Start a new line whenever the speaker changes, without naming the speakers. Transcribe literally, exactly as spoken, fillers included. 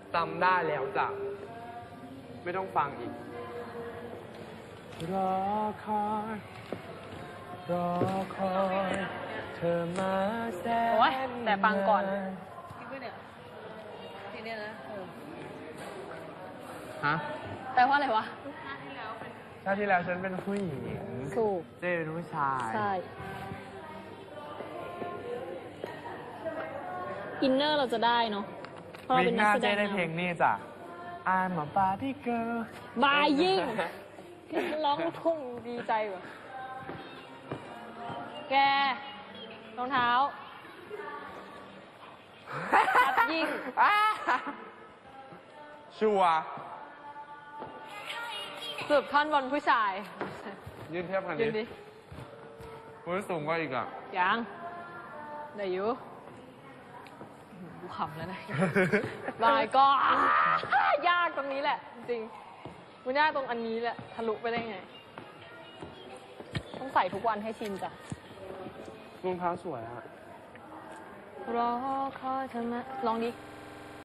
จำได้แล้วจ้ะไม่ต้องฟังอีกรอคอยรอคอยเธอมาแสน
โอ้ยแต่ฟังก่อน
คิดว่าเนี่ยทีเนี้ยนะเออ
ฮะ
แปลว่าอะไรวะ
ชาติที่แล้วเป็น
ชาติที่แล้วฉันเป็นผู้หญิง
ถูก
เจ้เป็นผู้ชาย
ใช่ อินเนอร์เราจะได้เนาะเพราะเรา
วิ
เป็
ก
น
ห
นัก
น้า
แสด
เจ้
ง
ได้เพลง
นำ
นี่จ้ะ I'm a Barbie girl
บายยิ่งที่ร้องลูกทุ่งดีใจกว่าแกรองเท้าชัดยิ่ง
ชัวร์
สืบท่อนบนผู้ชาย
ยืนเทียบกัน
ยื
ดิ
นดิ
คุณสูงกว่าอีกอ่ะ
ยังได้อยู่กูขำแล้วนะ บายก็ ยากตรงนี้แหละ จริงๆมันยากตรงอันนี้แหละทะลุไปได้ไง ต้องใส่ทุกวันให้ชินจ้ะ
รองเท้าสวยอ่ะ
รอคอยเธอมาลองดิ